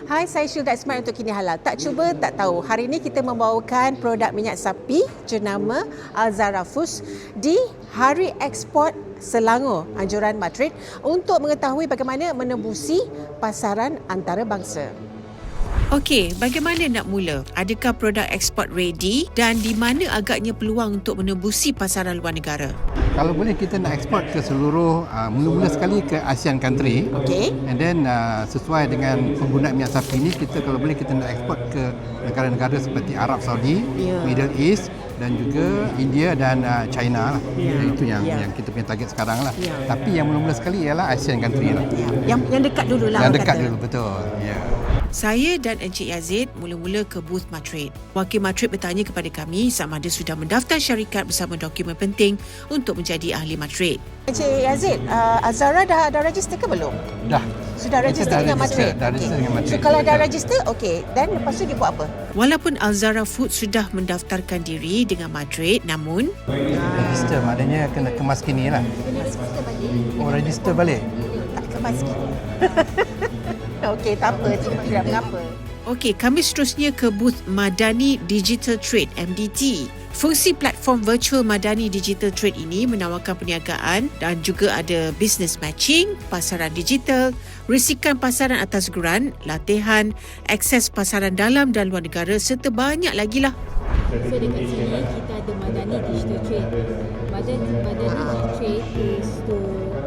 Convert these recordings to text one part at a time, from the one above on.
Hai, saya Syilda Ismail untuk Kini Halal. Tak cuba, tak tahu. Hari ini kita membawakan produk minyak sapi jenama Alzara Foods di Hari Ekspor Selangor, Anjuran Madrid untuk mengetahui bagaimana menembusi pasaran antarabangsa. Okey, bagaimana nak mula? Adakah produk ekspor ready dan di mana agaknya peluang untuk menembusi pasaran luar negara? Kalau boleh kita nak ekspor ke seluruh, mula-mula sekali ke ASEAN country. Okey. And then sesuai dengan penggunaan minyak sapi ini, kita kalau boleh kita nak ekspor ke negara-negara seperti Arab Saudi, Middle East dan juga India dan China lah. Itu yang kita punya target sekarang lah. Tapi yang mula-mula sekali ialah ASEAN country lah. Yang dekat dulu lah. Yang dekat dulu, betul. Saya dan Encik Yazid mula-mula ke booth Matrade. Wakil Matrade bertanya kepada kami sama ada sudah mendaftar syarikat bersama dokumen penting untuk menjadi ahli Matrade. Encik Yazid, Alzara dah register ke belum? Dah. Sudah register dengan Matrade? Dah register dengan Matrade. So kalau dah register, okey. Dan lepas tu dia buat apa? Walaupun Alzara Food sudah mendaftarkan diri dengan Matrade, namun Register maknanya kena kemas kini lah. Oh, register balik? Tak kemas kini. Okey, tak apa. Tidak mengapa. Okey, kami seterusnya ke booth Madani Digital Trade, MDT. Fungsi platform virtual Madani Digital Trade ini menawarkan perniagaan dan juga ada business matching, pasaran digital, risikan pasaran atas geran, latihan, akses pasaran dalam dan luar negara serta banyak lagi lah. So dekat sini kita ada Madani Digital Trade. Madani Digital Trade is to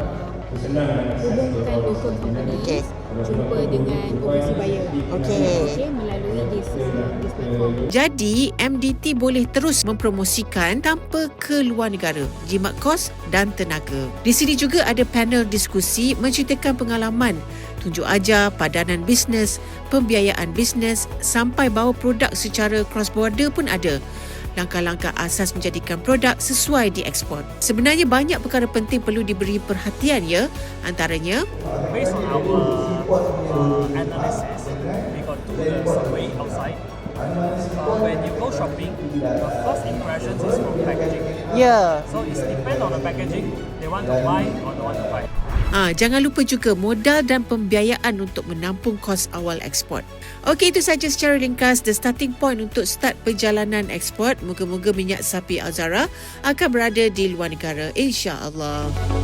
hubungkan local company jumpa dengan overseas buyer. Okay, melalui this platform. Jadi, MDT boleh terus mempromosikan tanpa ke luar negara, jimat kos dan tenaga. Di sini juga ada panel diskusi menceritakan pengalaman, tunjuk ajar, padanan bisnes, pembiayaan bisnes sampai bawa produk secara cross border pun ada. Langkah-langkah asas menjadikan produk sesuai diekspor. Sebenarnya banyak perkara penting perlu diberi perhatian ya. Antaranya, based on our analysis, we got to the survey outside. When you go shopping, the first impression is from packaging. So it depends on the packaging, they want to buy or don't want to buy. Jangan lupa juga modal dan pembiayaan untuk menampung kos awal ekspor. Okey, itu saja secara ringkas the starting point untuk start perjalanan ekspor. Moga-moga minyak sapi Alzara akan berada di luar negara, insya-Allah.